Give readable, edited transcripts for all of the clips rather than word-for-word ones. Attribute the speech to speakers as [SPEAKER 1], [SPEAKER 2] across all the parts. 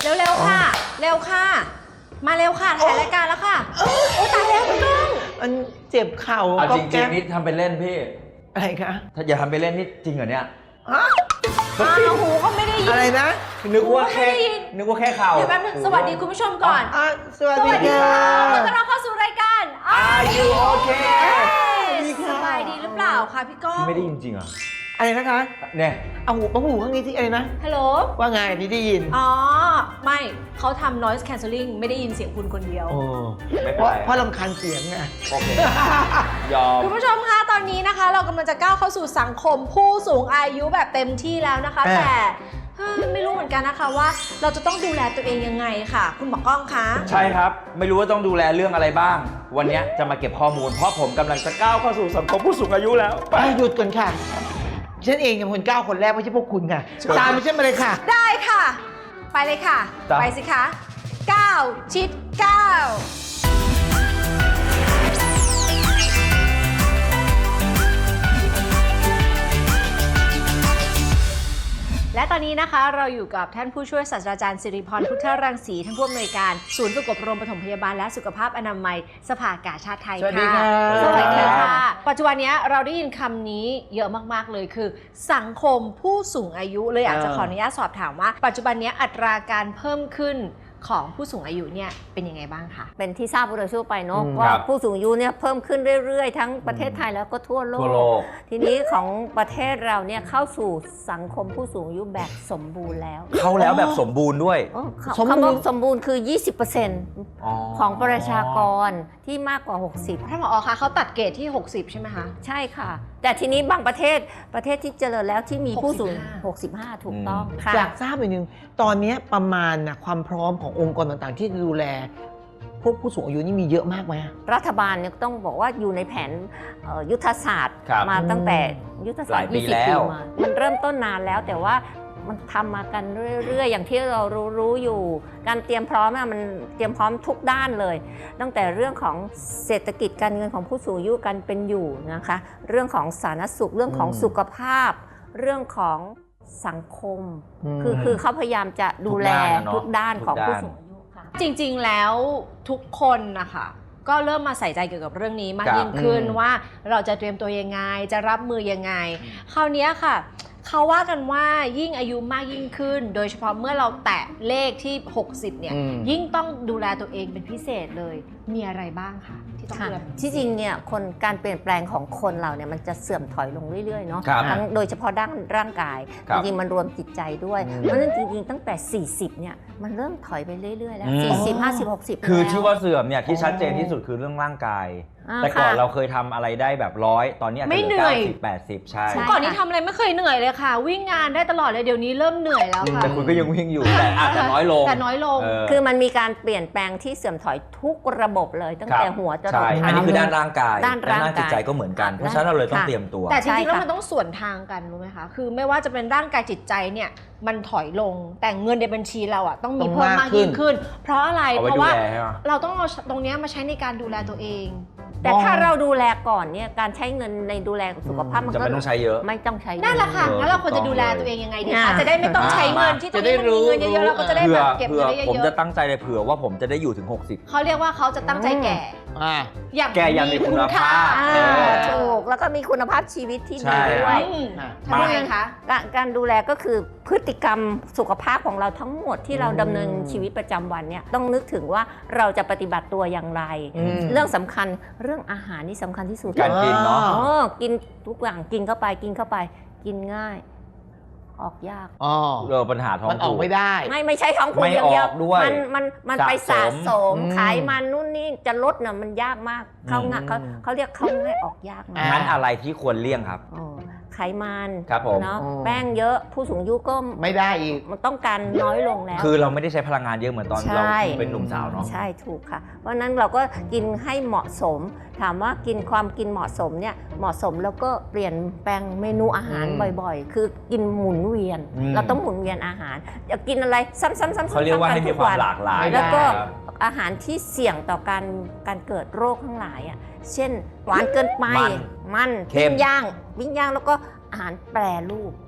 [SPEAKER 1] เร็วๆค่ะเร็วค่ะมาเร็วค่ะถ่ายรายการแล้วค่ะโอ้ตายแล้วพี่ก้อง
[SPEAKER 2] มันเจ็บเข่า
[SPEAKER 3] เอา
[SPEAKER 2] ก็
[SPEAKER 3] จริ
[SPEAKER 2] แก๊
[SPEAKER 3] งๆนี่ทำเป็นเล่นพี่
[SPEAKER 2] อะไรคะ
[SPEAKER 3] ถ้าอย่าทำเป็นเล่นนี่จริงเหรอเนี่ย
[SPEAKER 2] ฮะ
[SPEAKER 1] หูก็ไม่ได้ยิน
[SPEAKER 2] อะไรนะ
[SPEAKER 3] นึกว่าแค่
[SPEAKER 1] ไม่ได้ยิน
[SPEAKER 3] นึกว่าแค่เข่า
[SPEAKER 1] เดี๋ยวแป๊บนึงสวัสดีคุณผู้ชมก่อน
[SPEAKER 2] สวัส
[SPEAKER 1] ส
[SPEAKER 2] ดี
[SPEAKER 1] วัสดี
[SPEAKER 2] ค่ะ
[SPEAKER 1] ค่ะขอต้อนรับเข้าสู่รายการ
[SPEAKER 3] Are you okay
[SPEAKER 1] สบายดีหรือเปล่าคะพี่ก้อง
[SPEAKER 3] พี่ไม่ได้ยินจริงเหรอ
[SPEAKER 2] อะไรนะคะ
[SPEAKER 3] เนี่ย
[SPEAKER 2] เอาหูข้างนี้ที่อะไรนะ
[SPEAKER 1] ฮัลโหล
[SPEAKER 2] ว่าไงพี่ได้ยิน
[SPEAKER 1] อ๋อไม่เขาทำ noise cancelling ไม่ได้ยินเสียงคุณคนเดียว
[SPEAKER 2] โอ้
[SPEAKER 3] ไม่
[SPEAKER 2] เพ
[SPEAKER 3] เป็น
[SPEAKER 2] ราะ
[SPEAKER 3] ไร
[SPEAKER 2] เพราะรำคาญเสียงไง
[SPEAKER 3] โอเค ยอม
[SPEAKER 1] คุณผู้ชมคะตอนนี้นะคะ เรากำลังจะก้าวเข้าสู่สังคมผู้สูงอายุแบบเต็มที่แล้วนะคะ แต่ไม่รู้เหมือนกันนะคะว่าเราจะต้องดูแลตัวเองยังไงค่ะ คุณหมอก้องคะ
[SPEAKER 3] ใช่ครับ ไม่รู้ว่าต้องดูแลเรื่องอะไรบ้าง วันนี้จะมาเก็บข้อมูล เพราะผมกำลังจะก้าวเข้าสู่สังคมผู้สูงอายุแล้วไป
[SPEAKER 2] หยุดก่อนค่ะ ฉันเองเป็นคนก้าวคนแรกไม่ใช่พวกคุณค่ะ
[SPEAKER 3] เชิญ
[SPEAKER 2] ตามไปฉันมาเลยค่ะ
[SPEAKER 1] ได้ค่ะ ไปเลยค่ะ
[SPEAKER 3] จ้ะ
[SPEAKER 1] ไปสิคะก้าวชิดก้าวและตอนนี้นะคะเราอยู่กับท่านผู้ช่วยศาสตราจารย์สิริพรพุทธรังสีท่านผู้อำนวยการศูนย์ฝึกอบรมปฐมพยาบาลและสุขภาพอนามัยสภากาชาดไทย
[SPEAKER 2] สวัสดี
[SPEAKER 1] ค่ะ
[SPEAKER 2] ค่ะ
[SPEAKER 1] สวัสดี
[SPEAKER 3] ครั
[SPEAKER 1] ค่ะ
[SPEAKER 3] บ
[SPEAKER 1] ปัจจุบันนี้เราได้ยินคำนี้เยอะมากๆเลยคือ สังคมผู้สูงอายุเลยอยากจะขออนุญาตสอบถามว่า ปัจจุบันนี้อัตราการเพิ่มขึ้นของผู้สูงอายุเนี่ยเป็นยังไงบ้างคะ
[SPEAKER 4] เป็นที่ทราบโดยทั่วไปเนาะ
[SPEAKER 2] อืม
[SPEAKER 4] ว่า
[SPEAKER 3] ครับ
[SPEAKER 4] ผู้สูงอายุเนี่ยเพิ่มขึ้นเรื่อยๆ ทั้งประเทศไทยแล้วก็ทั่วโล
[SPEAKER 3] ทั่วโล
[SPEAKER 4] ก
[SPEAKER 3] ก
[SPEAKER 4] ทีนี้ของประเทศเราเนี่ยเข้าสู่สังคมผู้สูงอายุแบบสมบูรณ์แล้ว
[SPEAKER 3] เข้าแล้วแบบสมบูรณ์ด้วย
[SPEAKER 2] สมบูรณ์
[SPEAKER 4] คำว่าสมบูรณ์คือ 20%ของประชากรที่มากกว่า 60
[SPEAKER 1] ท่านผอคะเขาตัดเกรดที่ 60 ใช่ไหมคะ
[SPEAKER 4] ใช่ค่ะ แต่ทีนี้บางประเทศที่เจริญแล้วที่มีผู้สูง 65 ถูกต้องค่ะ
[SPEAKER 2] อยากทราบหน่อยนึงตอนนี้ประมาณนะความพร้อมขององค์กรต่างๆ ที่จะดูแล พวกผู้สูงอายุนี่มีเยอะมากไหม
[SPEAKER 4] รัฐบาลเนี่ยต้องบอกว่าอยู่ในแผนยุทธศาสตร์
[SPEAKER 3] ครับ
[SPEAKER 4] มาตั้งแต่ยุทธศาสตร์
[SPEAKER 3] หลายปี
[SPEAKER 4] 20
[SPEAKER 3] แล้ว
[SPEAKER 4] ปีมา มันเริ่มต้นนานแล้วแต่ว่ามันทำมากันเรื่อยๆ อย่างที่เรารู้อยู่ การเตรียมพร้อมมันเตรียมพร้อมทุกด้านเลย ตั้งแต่เรื่องของเศรษฐกิจการเงินของผู้สูงอายุการเป็นอยู่นะคะ เรื่องของสาธารณสุขเรื่องของสุขภาพ เรื่องของสังคม คือเขาพยายามจะดูแลทุกด้านของผู้สูงอายุค่ะ
[SPEAKER 1] จริงๆ แล้วทุกคนนะคะก็เริ่มมาใส่ใจเกี่ยวกับเรื่องนี้มาก
[SPEAKER 3] ครับ
[SPEAKER 1] ยิ่งขึ้นว่าเราจะเตรียมตัวยังไง จะรับมือยังไง คราวนี้ค่ะ เขาว่ากันว่ายิ่งอายุมากยิ่งขึ้น โดยเฉพาะเมื่อเราแตะเลขที่ 60 เนี่ย ยิ่งต้องดูแลตัวเองเป็นพิเศษเลย มีอะไรบ้างคะที่ต้อง
[SPEAKER 4] ค่ะ
[SPEAKER 1] ดูแลเป็นพิเศษ
[SPEAKER 4] ที่จริงเนี่ยการเปลี่ยนแปลงของคนเราเนี่ยมันจะเสื่อมถอยลงเรื่อยๆเนาะ
[SPEAKER 3] ครับ
[SPEAKER 4] ทั้งโดยเฉพาะด้านร่างกาย
[SPEAKER 3] ครั
[SPEAKER 4] จ
[SPEAKER 3] บ
[SPEAKER 4] ริงๆมันรวมจิตใจด้วย เพราะฉะนั้นจริงๆตั้งแต่ 40เนี่ยมันเริ่มถอยไปเรื่อยๆแล้ว 40 50 60
[SPEAKER 3] คือ
[SPEAKER 4] แล้ว
[SPEAKER 3] ที่ว่าเสื่อมเนี่ยที่ชัดเจนที่สุดคือเรื่องร่างกาย แต่ก่อน
[SPEAKER 4] ค่ะ
[SPEAKER 3] เราเคยทำอะไรได้แบบ100 ตอนนี้อาจจะ
[SPEAKER 1] ไม่
[SPEAKER 3] เหลื
[SPEAKER 1] เหนื่อย
[SPEAKER 3] 90 80 ใช่
[SPEAKER 4] ใช่
[SPEAKER 1] ก่อนนี้ทำอะไรไม่เคยเหนื่อยเลยค่ะ วิ่งงานได้ตลอดเลยเดี๋ยวนี้เริ่มเหนื่อยแล้วค่ะ
[SPEAKER 3] แต่คุณก็ยังวิ่งอยู่แต่อาจจะน้อยลง
[SPEAKER 1] แต่น้อยลง
[SPEAKER 4] คือมันมีการเปลี่ยนแปลงที่เสื่อมถอยทุกระบบเลยตั้งแต่หัวจรด
[SPEAKER 3] ใช่
[SPEAKER 4] เท้า
[SPEAKER 3] อันนี้คือด้านร่างกาย
[SPEAKER 4] ด้านร่างกาย
[SPEAKER 3] จิตใจก็เหมือนกัน เพราะฉะนั้นเราเลยต้อง
[SPEAKER 4] ค่ะ
[SPEAKER 3] เตรียมตัว
[SPEAKER 1] แต่จ
[SPEAKER 4] ใช่
[SPEAKER 1] ริงๆแล้ว
[SPEAKER 4] ค่ะ
[SPEAKER 1] มันต้องส่วนทางกันรู้ไหมคะ คือไม่ว่าจะเป็นร่างกายจิตใจเนี่ยมันถอยลง แต่เงินในบัญชีเราอ่ะต้องมีเพิ่มมากยิ่งขึ้น เพราะอะไร
[SPEAKER 3] เอาไว้
[SPEAKER 1] เพราะว่า
[SPEAKER 3] ดูแลใช่ไหม
[SPEAKER 1] เราต้องเอาตรงเนี้ยมาใช้ในการดูแลตัวเอง
[SPEAKER 4] แต่ถ้าเราดูแลก่อนเนี่ยการใช้เงินในดูแลสุขภาพมัน
[SPEAKER 3] จะ
[SPEAKER 4] ก็
[SPEAKER 3] ไม่ต้องใช้เยอะ
[SPEAKER 4] ไม่ต้องใช้เยอ
[SPEAKER 1] นั่นแหละค่ะ
[SPEAKER 3] เออ
[SPEAKER 1] แล้วเราควร
[SPEAKER 3] ถู
[SPEAKER 1] จะ
[SPEAKER 3] กต้อง
[SPEAKER 1] ดูแลตัวเองยังไงดี
[SPEAKER 4] อ่า
[SPEAKER 1] คะจะได้ไม่ต้องใช้เงินที่ตรงนี้มันมีเงินเยอะๆเราก็จะได้
[SPEAKER 3] เผื่
[SPEAKER 1] แบ
[SPEAKER 3] อบ
[SPEAKER 1] เก็บ
[SPEAKER 3] เผื่
[SPEAKER 1] เงิ
[SPEAKER 3] อน
[SPEAKER 1] ได้
[SPEAKER 3] ผม
[SPEAKER 1] เย
[SPEAKER 3] จะ
[SPEAKER 1] อะ
[SPEAKER 3] ตั้งใจเลยเผื่อว่าผมจะได้อยู่ถึง 60
[SPEAKER 1] ๆเขาเรียกว่าเขาจะตั้งใจแก่
[SPEAKER 2] อ่า
[SPEAKER 1] อย่าง
[SPEAKER 3] แก่อย่างมีคุณภาพ
[SPEAKER 4] ถูกแล้วก็มีคุณภาพชีวิตที่
[SPEAKER 3] ใช่
[SPEAKER 4] ดีด้วย
[SPEAKER 1] อืม
[SPEAKER 2] อ่ะ
[SPEAKER 1] ทำยังไงคะ
[SPEAKER 4] การดูแลก็คือพฤติกรรมสุขภาพของเราทั้งหมดที่เราดำเนินชีวิตประจำวันเนี่ยต้องนึกถึงว่าเราจะปฏิบัติตัวอย่างไร เรื่องสำคัญเรื่องอาหารนี่สำคัญที่สุด
[SPEAKER 3] การกินเนาะ
[SPEAKER 4] กินทุกอย่างกินเข้าไปกินง่าย ออกยาก
[SPEAKER 2] อ๋อ
[SPEAKER 3] ปัญหาท้อง
[SPEAKER 2] มันออก
[SPEAKER 3] ผูก
[SPEAKER 2] ไม่ได้
[SPEAKER 4] ไม่ใช่ท้องผูก
[SPEAKER 3] ไม่
[SPEAKER 4] อย่างเดียว
[SPEAKER 3] ออกด้วย
[SPEAKER 4] มันไปสะสม
[SPEAKER 2] อืม
[SPEAKER 4] ไขมันนู่นนี่จะลดน่ะมันยากมากเข้าง่ายเขาเรียกเข้าง่ายออกยากนะ
[SPEAKER 2] อ่า
[SPEAKER 3] งั้นอะไรที่ควรเลี่ยงครับ
[SPEAKER 4] อ๋อไขมัน
[SPEAKER 3] ครับผม
[SPEAKER 4] เนาะ
[SPEAKER 2] อ๋อ
[SPEAKER 4] แป้งเยอะผู้สูงอายุก็
[SPEAKER 2] ไม่ได้อีก
[SPEAKER 4] มันต้องการน้อยลงแล้ว
[SPEAKER 3] คือเราไม่ได้ใช้พลังงานเยอะเหมือนตอนเรา
[SPEAKER 4] ใช่
[SPEAKER 3] เป็นหนุ่มสาวเนาะ
[SPEAKER 4] ใช่ถูกค่ะ เพราะฉะนั้นเราก็กินให้เหมาะสม ถามว่ากินความกินเหมาะสมเนี่ยเหมาะสมแล้วก็เปลี่ยนแปลงเมนูอาหาร
[SPEAKER 2] อืม
[SPEAKER 4] บ่อยๆ คือกินหมุนเวียน เราต้องหมุนเวียนอาหารอยากกินอะไรซ้ำๆๆๆ
[SPEAKER 3] เขาเรียกว่าให้มีความหลากหลาย
[SPEAKER 4] แล้วก็
[SPEAKER 3] ครับ
[SPEAKER 4] อาหารที่เสี่ยงต่อการเกิดโรคทั้งหลายอ่ะเช่นหวานเกินไปมัน
[SPEAKER 3] เค็
[SPEAKER 4] ปิ้
[SPEAKER 3] ม
[SPEAKER 4] งย่างแล้วก็อาหารแปรรูป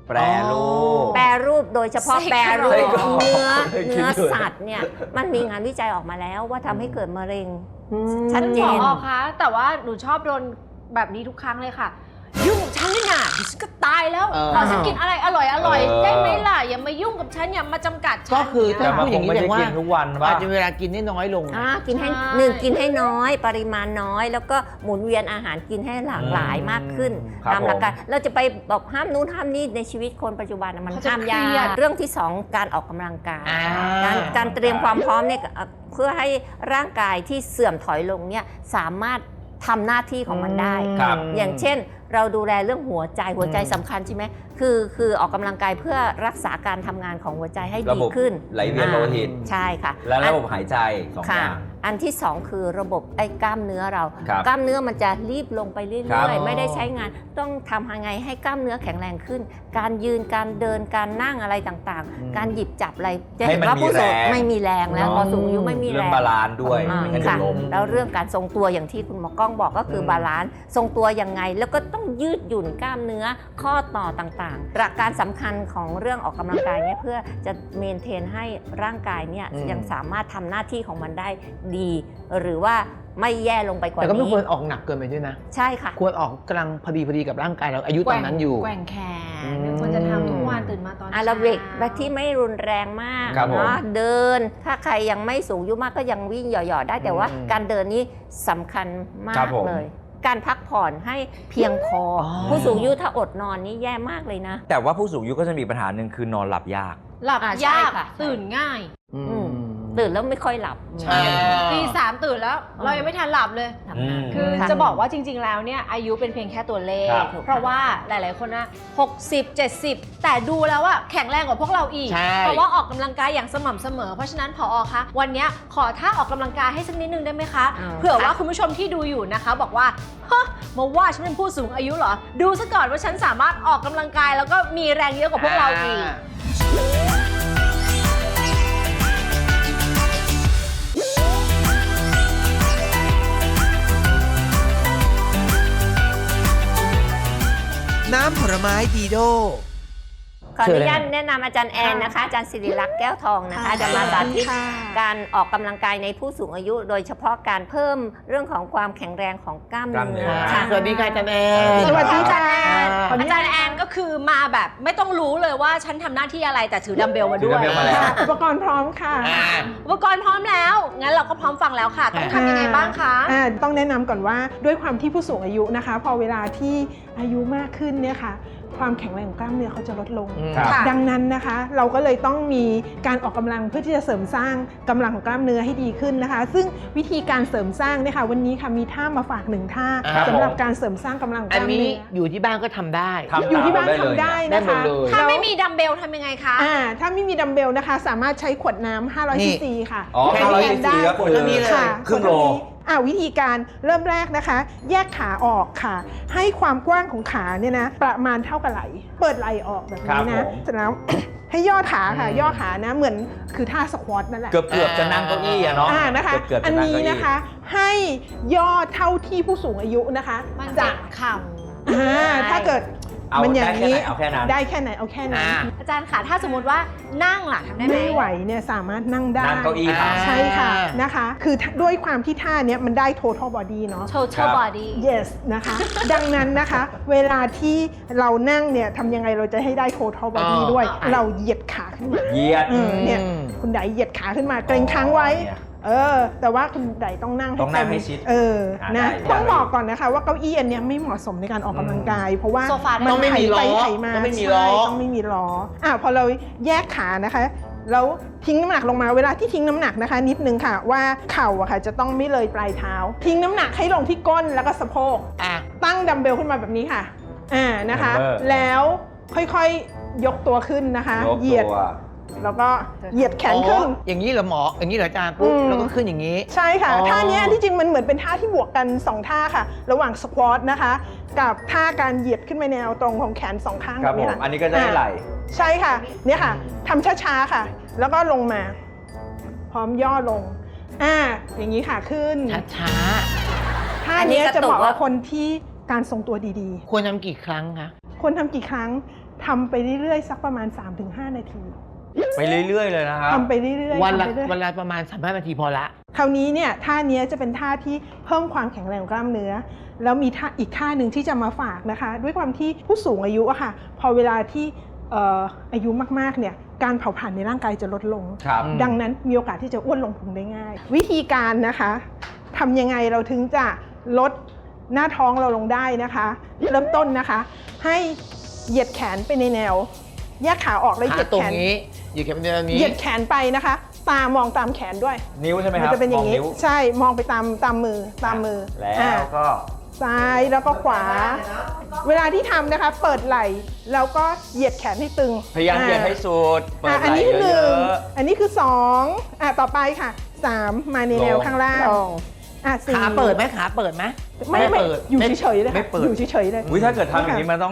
[SPEAKER 3] แปรรูป
[SPEAKER 4] แปรรูปโดยเฉพาะ
[SPEAKER 1] ไส้
[SPEAKER 4] แปรรู
[SPEAKER 1] ไส้
[SPEAKER 4] ป
[SPEAKER 1] กรอก
[SPEAKER 4] เนื้อ
[SPEAKER 3] เคยกิน
[SPEAKER 4] เนื้อ
[SPEAKER 3] ด้วย
[SPEAKER 4] สัตว์เนี่ยมันมีงานวิจัยออกมาแล้วว่าทำให้เกิดมะเร็ง ชั
[SPEAKER 1] ฉั
[SPEAKER 4] ด
[SPEAKER 1] น
[SPEAKER 4] เจ
[SPEAKER 1] บอน กคะแต่ว่าหนูชอบโดนแบบนี้ทุกครั้งเลยค่ะ ยุ่งกับฉันเลยนะดิฉันก็ตายแล้ว
[SPEAKER 2] เออ
[SPEAKER 1] ขอฉันกินอะไรอร่อย
[SPEAKER 3] เออ
[SPEAKER 1] ได้ไหมล่ะอย่ามายุ่งกับฉันอย่ามาจำกัดฉัน
[SPEAKER 2] ก็คือถ้า
[SPEAKER 3] แต่มัน
[SPEAKER 2] พูดอย่างนี้
[SPEAKER 3] คงไม่
[SPEAKER 2] แปลว่า
[SPEAKER 3] ได้กินทุกวันป่ะ
[SPEAKER 2] อาจจะเวลากินได้น้อยลง
[SPEAKER 4] กินให้
[SPEAKER 1] ใช่
[SPEAKER 4] กินให้น้อยปริมาณน้อย แล้วก็หมุนเวียนอาหารกินให้หลากหลายมากขึ้น
[SPEAKER 3] ครับ
[SPEAKER 4] ตามหลักการ
[SPEAKER 3] ผม
[SPEAKER 4] เราจะไปบอกห้ามนู้นห้ามนี่ในชีวิตคนปัจจุบันน่ะมัน
[SPEAKER 1] เขาจะ
[SPEAKER 4] ห้าม
[SPEAKER 1] เครีย
[SPEAKER 4] ยา
[SPEAKER 1] ด
[SPEAKER 4] กเรื่องที่ 2 การออกกำลังกาย
[SPEAKER 2] อ่า
[SPEAKER 4] การเตรียมความพร้อมเนี่ยเพื่อให้ร่างกายที่เสื่อมถอยลงเนี่ยสามารถทำหน้าที่ของมันได้
[SPEAKER 3] ครับ
[SPEAKER 4] อย่างเช่นเราดูแลเรื่องหัวใจสำคัญใช่ไหมคือออกกำลังกายเพื่อรักษาการทำงานของหัวใจให้
[SPEAKER 3] ระ
[SPEAKER 4] ดี
[SPEAKER 3] บบ
[SPEAKER 4] ขึ้น
[SPEAKER 3] ไหลเวียนโลหิต
[SPEAKER 4] ใช่ค่ะ
[SPEAKER 3] และระบบหายใจ2 อ
[SPEAKER 4] ค่ะ
[SPEAKER 3] ย่าง
[SPEAKER 4] อันที่ 2 คือระบบกล้ามเนื้อเรา
[SPEAKER 3] ครับ
[SPEAKER 4] กล้ามเนื้อมันจะรีบลงไปเรื่
[SPEAKER 3] ครั
[SPEAKER 4] อย
[SPEAKER 3] บ
[SPEAKER 4] ๆ ไม่ได้ใช้งานต้องทำยังไงให้กล้ามเนื้อแข็งแรงขึ้น การยืนการเดินการนั่งอะไรต่างๆ การหยิบจับอะไรจะเห็นว่าผู้สูงไม่มีแรงแล้วพอสูงอายุไม่มีแร
[SPEAKER 3] เรื่อง
[SPEAKER 4] ง
[SPEAKER 3] บาลานซ์ด้วย
[SPEAKER 4] อ่า
[SPEAKER 3] ไม่งั้นจะ
[SPEAKER 4] ค่ะ
[SPEAKER 3] ล้ม
[SPEAKER 4] แล้วเรื่องการทรงตัวอย่างที่คุณหมอกล้องบอกก็คือบาลานซ์ทรงตัวยังไง แล้วก็ต้องยืดหยุ่นกล้ามเนื้อข้อต่อต่างๆหลักการสำคัญของเรื่องออกกำลังกายเนี่ยเพื่อจะเมนเทนให้ร่างกายเนี่ยยังสามารถทำหน้าที่ของมันได้ดี หรือว่าไม่แย่ลงไปกว่า
[SPEAKER 2] แต่ก็ไม่
[SPEAKER 4] นี้
[SPEAKER 2] ควรออกหนักเกินไปด้วยนะ
[SPEAKER 4] ใช่ค่ะ
[SPEAKER 2] ควรออกกำลังพอดีกับร่างกายเราอายุตอนนั้นอยู่
[SPEAKER 1] แกว่งแข
[SPEAKER 2] อื
[SPEAKER 1] น
[SPEAKER 2] ม
[SPEAKER 1] ควรจะทำทุกวันตื่นมาตอน
[SPEAKER 4] อาราบิกแบบที่ไม่รุนแรงมาก
[SPEAKER 3] ครับผม
[SPEAKER 4] เนาะเดิน ถ้าใครยังไม่สูงอายุมากก็ยังวิ่งหย่อๆได้แต่ว่า
[SPEAKER 2] อืม
[SPEAKER 4] การเดินนี้สำคัญมา
[SPEAKER 3] ครั
[SPEAKER 4] ก
[SPEAKER 3] บผม
[SPEAKER 4] เลย การพักผ่อนให้เพียงพออ
[SPEAKER 2] อ
[SPEAKER 4] ผู้สูงอายุถ้าอดนอนนี่แย่มากเลยนะ
[SPEAKER 3] แต่ว่าผู้สูงอายุก็จะมีปัญหาหนึ่งคือนอนหลับยาก
[SPEAKER 1] หลับ
[SPEAKER 4] ใช่
[SPEAKER 1] ยาก
[SPEAKER 4] ค่ะ
[SPEAKER 1] ตื่นง่าย
[SPEAKER 2] อืม
[SPEAKER 4] ตื่นแล้วไม่ค่อยหลับ
[SPEAKER 2] ใช่
[SPEAKER 1] ตี 3ตื่นแล้ว เรายังไม่ทันหลับเลย
[SPEAKER 4] ทำงาน
[SPEAKER 1] คือ
[SPEAKER 4] ค่ะ
[SPEAKER 1] จะบอกว่าจริง ๆ แล้วเนี่ยอายุเป็นเพียงแค่ตัวเลข
[SPEAKER 3] ครับ
[SPEAKER 1] เพราะว่าหลาย ๆ คนนะ60 70 แต่ดูแล้วว่าแข็งแรงกว่าพวกเราอีก
[SPEAKER 2] ใช่
[SPEAKER 1] เพราะว่าออกกำลังกายอย่างสม่ำเสมอ เพราะฉะนั้นผอคะวันเนี้ยขอท่าออกกำลังกายให้สักนิดนึงได้ไหมคะ
[SPEAKER 4] อ่า
[SPEAKER 1] เผื่อว่าคุณผู้ชมที่ดูอยู่นะคะ บอกว่าฮะมาว่าฉันเป็นผู้สูงอายุเหรอ ดูซะก่อนว่าฉันสามารถออกกำลังกายแล้วก็มีแรงเยอะกว่าพวกเราอีก
[SPEAKER 5] น้ำผลไม้ดีโด
[SPEAKER 4] ขออนุญาตแนะนำอาจารย์แอนนะคะ อาจารย์ศิริลักษณ์แก้วทองนะคะจะมาสาธิตการออกกำลังกายในผู้สูงอายุ โดยเฉพาะการเพิ่มเรื่องของความแข็งแรงของกล้าม
[SPEAKER 3] กล้ามเนื้
[SPEAKER 4] เนื้
[SPEAKER 3] อ
[SPEAKER 4] อ
[SPEAKER 2] ค่ะสวัสดีค่ะอาจารย์แอน
[SPEAKER 1] สวัสดีค่ะ
[SPEAKER 2] ขออนุ
[SPEAKER 1] อา
[SPEAKER 2] ญาต
[SPEAKER 1] จารย์แอนก็คือมาแบบไม่ต้องรู้เลยว่าฉันทำหน้าที่อะไรแต่ถือดัมเบลมา
[SPEAKER 3] ถื
[SPEAKER 1] ด้
[SPEAKER 3] อ
[SPEAKER 1] ว
[SPEAKER 3] ดัม
[SPEAKER 1] ย
[SPEAKER 3] เบลมาแล้ว
[SPEAKER 6] อุปกรณ์พร้อมค่ะ
[SPEAKER 1] อุปกรณ์พร้อมแล้ว งั้นเราก็พร้อมฟังแล้วค่ะ ต้องทำยังไงบ้างคะ
[SPEAKER 6] ต้องแนะนำก่อนว่าด้วยความที่ผู้สูงอายุนะคะ พอเวลาที่อายุมากขึ้นเนี่ยค่ะความแข็งแรงของกล้ามเนื้อเขาจะลดลง
[SPEAKER 3] ครับ
[SPEAKER 1] ค่ะ
[SPEAKER 6] ดังนั้นนะคะเราก็เลยต้องมีการออกกำลังเพื่อที่จะเสริมสร้างกำลังของกล้ามเนื้อให้ดีขึ้นนะคะ ซึ่งวิธีการเสริมสร้างเนี่ยค่ะวันนี้ค่ะมีท่ามาฝากหนึ่งท่า
[SPEAKER 3] ครับ
[SPEAKER 6] สำหรับ
[SPEAKER 3] ผม
[SPEAKER 6] การเสริมสร้างกำลังของก
[SPEAKER 2] อัน
[SPEAKER 6] ล้าม
[SPEAKER 2] นี้
[SPEAKER 6] เนื้อ
[SPEAKER 2] อยู่ที่บ้านก็ทำได้
[SPEAKER 3] ทำ
[SPEAKER 6] อยู่ที่บ้าน
[SPEAKER 3] ตาม
[SPEAKER 6] ทำได้
[SPEAKER 2] ได้
[SPEAKER 6] นะ
[SPEAKER 2] หมด
[SPEAKER 6] คะ
[SPEAKER 2] เลย
[SPEAKER 1] ถ้าไม่มีดัมเบลทำยังไงคะ
[SPEAKER 6] ถ้าไม่มีดัมเบลนะคะ สามารถใช้ขวดน้ำ500
[SPEAKER 2] นี่
[SPEAKER 6] ซีซีค่ะ
[SPEAKER 3] อ๋อ
[SPEAKER 6] แทน
[SPEAKER 3] 500
[SPEAKER 6] แทนได้
[SPEAKER 3] cc ก็คือ
[SPEAKER 2] ตัวนี้เลย
[SPEAKER 6] ค่ะ
[SPEAKER 3] ครึ่งโล
[SPEAKER 6] วิธีการเริ่มแรกนะคะ แยกขาออกค่ะ ให้ความกว้างของขาเนี่ยนะประมาณเท่ากับไหล่เปิดไหล่ออกแบบนี้
[SPEAKER 3] ครั
[SPEAKER 6] นะ
[SPEAKER 3] บผม
[SPEAKER 6] เสร็จแล้ว ให้ย่อขาค่ะ ย่อขานะเหมือนคือท่าสควอตนั่นแหละ
[SPEAKER 3] เกือบจะนั่งเก้าอี้อะเนาะ
[SPEAKER 6] นะคะ
[SPEAKER 3] เกือบ
[SPEAKER 6] อั
[SPEAKER 3] จะ
[SPEAKER 6] น
[SPEAKER 3] นั่ง
[SPEAKER 6] นี้
[SPEAKER 3] เก้าอี้
[SPEAKER 6] นะคะ ให้ย่อเท่าที่ผู้สูงอายุนะคะ
[SPEAKER 1] มัน
[SPEAKER 6] จะ
[SPEAKER 1] จะเข่า
[SPEAKER 6] ถ้าเกิด
[SPEAKER 3] เอา
[SPEAKER 6] มันอย่างนี้
[SPEAKER 3] ได้แค่ไหนเอาแค่นั้น
[SPEAKER 6] ได้แค่ไหนเอาแค่นั้น
[SPEAKER 1] อาจารย์ค่ะถ้าสมมติว่านั่งล่ะทำได้ไหม
[SPEAKER 6] ไม่ไหวเนี่ยสามารถนั่งได้
[SPEAKER 3] นั่งเก้าอี้ครับ
[SPEAKER 6] ใช่ค่ะนะคะ คือด้วยความที่ท่าเนี้ยมันได้ total body เนาะ
[SPEAKER 1] total body
[SPEAKER 6] yes นะคะ ดังนั้นนะคะ เวลาที่เรานั่งเนี่ยทำยังไงเราจะให้ได้ total body ด้วย เราเหยียดขาขึ้นมา
[SPEAKER 3] เหยียด
[SPEAKER 6] เนี่ยคุณไดเหยียดขาขึ้นมาเกรงค้างไว้ แต่ว่าคุณไดต้องนั่ง
[SPEAKER 3] ต้องนั่งให้
[SPEAKER 6] เต็ม
[SPEAKER 3] ชิด
[SPEAKER 6] นะ
[SPEAKER 3] ได้
[SPEAKER 6] ต้องบอกก่อนนะคะว่าเก้าอี้อันเนี้ยไม่เหมาะสมในการออกกำลังกาย เพราะว่า
[SPEAKER 1] โซฟาได้
[SPEAKER 2] ต้องไม่มีล้อ
[SPEAKER 6] ไถมา
[SPEAKER 2] ต้องไม่มีล้อ
[SPEAKER 6] ใช่ต้องไม่มีล้อพอเราแยกขานะคะแล้วทิ้งน้ำหนักลงมาเวลาที่ทิ้งน้ำหนักนะคะ นิดนึงค่ะว่าเข่าอะค่ะจะต้องไม่เลยปลายเท้า ทิ้งน้ำหนักให้ลงที่ก้นแล้วก็สะโพก ตั้งดัมเบลขึ้นมาแบบนี้ค่ะนะคะ แล้วค่อยๆยกตัวขึ้นนะคะ
[SPEAKER 3] ยก
[SPEAKER 6] เหยียด
[SPEAKER 3] ตัว
[SPEAKER 6] แล้วก็เหยียดแขนขึ้น
[SPEAKER 2] อย่างนี้เหรอหมอ อย่างนี้เหรออาจารย์ปุ๊บ
[SPEAKER 6] อืม
[SPEAKER 2] แล้วก็ขึ้นอย่างนี้
[SPEAKER 6] ใช่ค่ะ
[SPEAKER 2] อ๋อ
[SPEAKER 6] ท่าเนี้ยที่จริงมันเหมือนเป็นท่าที่บวกกัน 2 ท่าค่ะ ระหว่างสควอตนะคะ กับท่าการเหยียดขึ้นไปในแนวตรงของแขนสองข้าง
[SPEAKER 3] ครับ
[SPEAKER 6] แบบ
[SPEAKER 3] ผ
[SPEAKER 6] นี้
[SPEAKER 3] ม
[SPEAKER 6] ค่ะ
[SPEAKER 3] อันนี้ก็จะได้ไหล
[SPEAKER 6] ใช่ค่ะเนี่ยค่ะทำช้าๆค่ะ แล้วก็ลงมา พร้อมย่อลงอย่างนี้ค่ะขึ้น
[SPEAKER 2] ช้า
[SPEAKER 6] ท่า
[SPEAKER 4] อันนี้
[SPEAKER 6] เนี้ย
[SPEAKER 4] กระ
[SPEAKER 6] จะ
[SPEAKER 4] ตุก
[SPEAKER 6] เหมาะ
[SPEAKER 4] ว่า
[SPEAKER 6] กับคนที่การทรงตัวดี
[SPEAKER 2] ๆควรทำกี่ครั้งคะ
[SPEAKER 6] ๆ ควรทำกี่ครั้งทำไปเรื่อยๆสักประมาณ 3-5 นาที
[SPEAKER 3] ไปเรื่อยๆเลยนะครับ
[SPEAKER 6] ทำไปเรื่อยๆ
[SPEAKER 2] วันละ
[SPEAKER 6] ทำไปเรื่อย
[SPEAKER 2] วันละประมาณ35 นาทีพอละ
[SPEAKER 6] คราวนี้เนี่ยท่าเนี้ยจะเป็นท่าที่เพิ่มความแข็งแรงของกล้ามเนื้อ แล้วมีท่าอีกท่าหนึ่งที่จะมาฝากนะคะ ด้วยความที่ผู้สูงอายุอะค่ะ พอเวลาที่อายุมากๆเนี่ยการเผาผลาญในร่างกายจะลดลง
[SPEAKER 3] ครับ
[SPEAKER 6] ดังนั้นมีโอกาสที่จะอ้วนลงพุงได้ง่าย วิธีการนะคะทำยังไงเราถึงจะลดหน้าท้องเราลงได้นะคะ เริ่มต้นนะคะ ให้เหยียดแขนไปในแนว แยกขาออกแล้วเห
[SPEAKER 2] ขา
[SPEAKER 6] ยียด
[SPEAKER 2] ตร
[SPEAKER 6] แข
[SPEAKER 2] ง
[SPEAKER 6] น
[SPEAKER 2] นี้อยู่แค่แบบนี้
[SPEAKER 6] เหยียดแขนไปนะคะ ตามองตามแขนด้วย
[SPEAKER 3] นิ้วใช่ไหมค
[SPEAKER 6] มั
[SPEAKER 3] รับ
[SPEAKER 6] จะเป็นอย่างนี้
[SPEAKER 3] มว
[SPEAKER 6] ใช่มองไปตามมือ
[SPEAKER 3] แล้
[SPEAKER 6] อ่า
[SPEAKER 3] วก็
[SPEAKER 6] ซ้ายแล้วก็ขวา เวลาที่ทำนะคะ เปิดไหล่แล้วก็เหยียดแขนให้ตึง
[SPEAKER 3] พยายามเหยียดให้สุดเปิดไห
[SPEAKER 6] อัน
[SPEAKER 3] ล่
[SPEAKER 6] นี้คือ
[SPEAKER 3] เย
[SPEAKER 6] หนึ่ง
[SPEAKER 3] อะ
[SPEAKER 6] อันนี้คือสองต่อไปค่ะสามมาในแนว
[SPEAKER 3] ลง
[SPEAKER 6] ข้างล่าง
[SPEAKER 4] ตรง
[SPEAKER 6] สี่
[SPEAKER 2] ขาเปิดไหมขาเปิดไหม
[SPEAKER 6] ไม่
[SPEAKER 2] เปิด
[SPEAKER 6] อยู่เฉยๆเลย
[SPEAKER 2] ไม่
[SPEAKER 6] ค่ะ
[SPEAKER 2] เปิด
[SPEAKER 6] อยู่เฉยๆเลย
[SPEAKER 3] ๆอุ้ยถ้าเกิดทำอย่างนี้มันต้อง